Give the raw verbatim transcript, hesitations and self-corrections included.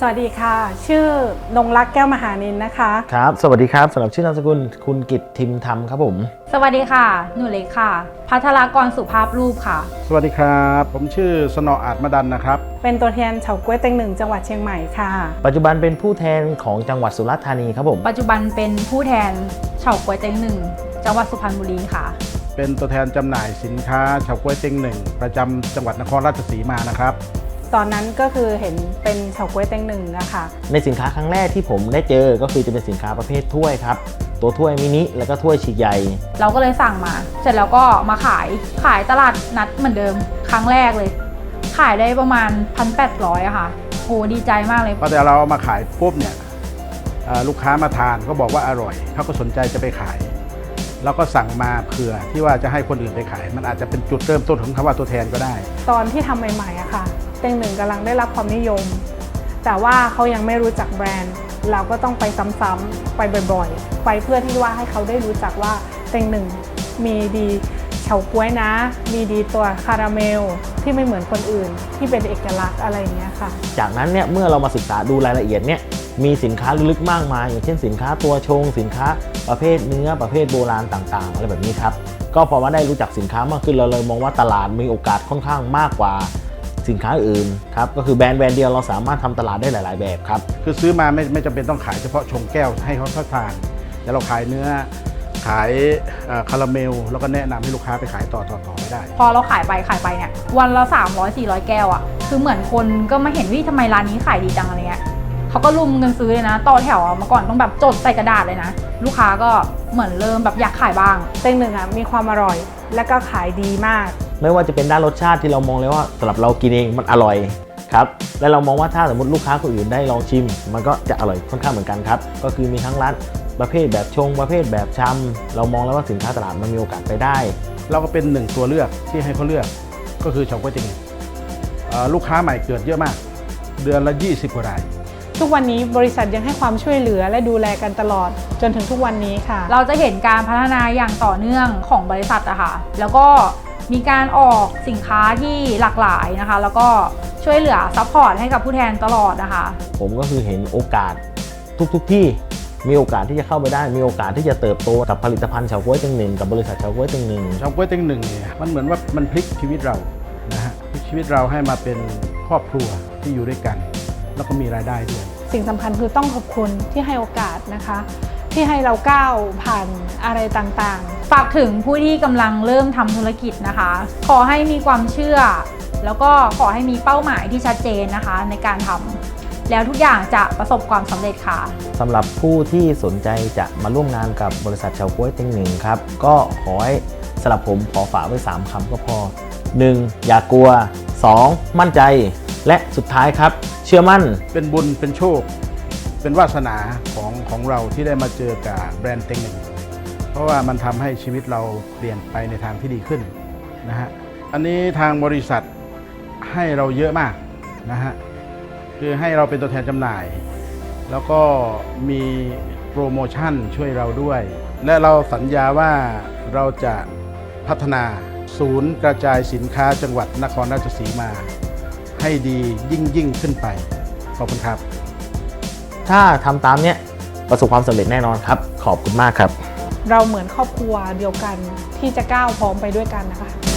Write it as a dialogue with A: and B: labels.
A: สวัสดีค่ะชื่อนงรักแก้วมหานินนะคะ
B: ครับสวัสดีครับสำหรับชื่อนามสกุลคุณกิตทิมธรรมครับผม
C: สวัสดีค่ะหนูเล็กค่ะภัทรกรสุภาพรูปค่ะ
D: สวัสดีครับผมชื่อสนออาจมดันนะครับ
A: เป็นตัวแทนเฉาก๊วยเต็งหนึ่งจังหวัดเชียงใหม่ค่ะ
B: ปัจจุบันเป็นผู้แทนของจังหวัดสุราษฎร์ธานีครับผม
C: ปัจจุบันเป็นผู้แทนเฉาก๊วยเต็งหนึ่งจังหวัดสุพรรณบุรีค่ะ
D: เป็นตัวแทนจำหน่ายสินค้าเฉาก๊วยเต็งหนึ่งประจำจังหวัดนครราชสีมานะครับ
A: ตอนนั้นก็คือเห็นเป็นเฉาก๊วยเต็งหนึ่งนะคะ
B: ในสินค้าครั้งแรกที่ผมได้เจอก็คือจะเป็นสินค้าประเภทถ้วยครับตัวถ้วยมินิแล้วก็ถ้วยฉีกใหญ่
C: เราก็เลยสั่งมาเสร็จแล้วก็มาขายขายตลาดนัดเหมือนเดิมครั้งแรกเลยขายได้ประมาณ หนึ่งพันแปดร้อย อะค่ะโหดีใจมากเลย
D: พอแต่เราเอามาขายปุ๊บเนี่ยลูกค้ามาทานก็บอกว่าอร่อยเขาก็สนใจจะไปขายแล้วก็สั่งมาเผื่อที่ว่าจะให้คนอื่นไปขายมันอาจจะเป็นจุดเริ่มต้นของคำว่าตัวแทนก็ได้
A: ตอนที่ทำใหม่ๆอะค่ะเต็งหนึ่งกำลังได้รับความนิยมแต่ว่าเขายังไม่รู้จักแบรนด์เราก็ต้องไปซ้ำๆไปบ่อยๆไปเพื่อที่ว่าให้เขาได้รู้จักว่าเต็งหนึ่งมีดีเฉาก๊วยนะมีดีตัวคาราเมลที่ไม่เหมือนคนอื่นที่เป็นเอกลักษณ์อะไรอย่างเงี้ยค่ะ
B: จากนั้นเนี่ยเมื่อเรามาศึกษาดูรายละเอียดเนี่ยมีสินค้าลึกมากมายอย่างเช่นสินค้าตัวชงสินค้าประเภทเนื้อประเภทโบราณต่างๆอะไรแบบนี้ครับก็พอมาได้รู้จักสินค้ามากขึ้นเราเลยมองว่าตลาดมีโอกาสค่อนข้างมากกว่าสินค้าอื่นครับก็คือแบรนด์แบรนด์เดียวเราสามารถทำตลาดได้หลายๆแบบครับ
D: คือซื้อมาไม่ไม่จำเป็นต้องขายเฉพาะชงแก้วให้เขาทานแต่เราขายเนื้อขายคาราเมลแล้วก็แนะนำให้ลูกค้าไปขายต่อต่อต่อไม่ได้
C: พอเราขายไปขายไปเนี่ยวันละสามร้อย สี่ร้อยแก้วอ่ะคือเหมือนคนก็มาเห็นว่าทำไมร้านนี้ขายดีจังอะไรเงี้ยเขาก็รุมกันซื้อเลยนะต่อแถวเมื่อก่อนต้องแบบจดใส่กระดาษเลยนะลูกค้าก็เหมือนเริ่มแบบอยากขายบ้าง
A: เต็งหนึ่งอ่ะมีความอร่อยและก็ขายดีมาก
B: ไม่ว่าจะเป็นด้านรสชาติที่เรามองเลยว่าสำหรับเรากินเองมันอร่อยครับและเรามองว่าถ้าสมมติลูกค้าคนอื่นได้ลองชิมมันก็จะอร่อยค่อนข้างเหมือนกันครับก็คือมีทั้งร้านประเภทแบบชงประเภทแบบชำเรามองแล้วว่าสินค้าตลาดมันมีโอกาสไปได้
D: เราก็เป็นหนึ่งตัวเลือกที่ให้เขาเลือกก็คือเฉาก๊วยเต็งหนึ่งลูกค้าใหม่เกิดเยอะมากเดือนละยี่สิบกว่าราย
A: ทุกวันนี้บริษัทยังให้ความช่วยเหลือและดูแลกันตลอดจนถึงทุกวันนี้ค่ะ
C: เราจะเห็นการพัฒนาอย่างต่อเนื่องของบริษัทอะค่ะแล้วก็มีการออกสินค้าที่หลากหลายนะคะแล้วก็ช่วยเหลือซัพพอร์ตให้กับผู้แทนตลอดนะคะ
B: ผมก็คือเห็นโอกาสทุกๆ ที่มีโอกาสที่จะเข้าไปได้มีโอกาสที่จะเติบโตกับผลิตภัณฑ์เฉาก๊วยเต็งหนึ่งกับบริษัทเฉาก๊วยเต็งหนึ่ง
D: เฉาก๊วยเต็งหนึ่งเนี่ยมันเหมือนว่ามันพลิกชีวิตเรานะฮะพลิกชีวิตเราให้มาเป็นครอบครัวที่อยู่ด้วยกันแล้วก็มีรายได้ด้วย
A: สิ่งสำคัญคือต้องขอบคุณที่ให้โอกาสนะคะที่ให้เราก้าวผ่านอะไรต่าง
C: ๆฝากถึงผู้ที่กำลังเริ่มทำธุรกิจนะคะขอให้มีความเชื่อแล้วก็ขอให้มีเป้าหมายที่ชัดเจนนะคะในการทำแล้วทุกอย่างจะประสบความสำเร็จค่ะ
B: สำหรับผู้ที่สนใจจะมาร่วมงานกับบริษัทเฉาก๊วยเต็งหนึ่งครับก็ขอให้สำหรับผมขอฝากไว้สามคำก็พอ หนึ่ง อย่ากลัว สอง มั่นใจและสุดท้ายครับเชื่อมั่น
D: เป็นบุญเป็นโชคเป็นวาสนาของของเราที่ได้มาเจอกับแบรนด์เต็งหนึ่งเพราะว่ามันทำให้ชีวิตเราเปลี่ยนไปในทางที่ดีขึ้นนะฮะอันนี้ทางบริษัทให้เราเยอะมากนะฮะคือให้เราเป็นตัวแทนจำหน่ายแล้วก็มีโปรโมชั่นช่วยเราด้วยและเราสัญญาว่าเราจะพัฒนาศูนย์กระจายสินค้าจังหวัดนครราชสีมาให้ดียิ่งยิ่งขึ้นไปขอบคุณครับ
B: ถ้าทำตามเนี้ยประสบความสำเร็จแน่นอนครับขอบคุณมากครับ
A: เราเหมือนครอบครัวเดียวกันที่จะก้าวพร้อมไปด้วยกันนะคะ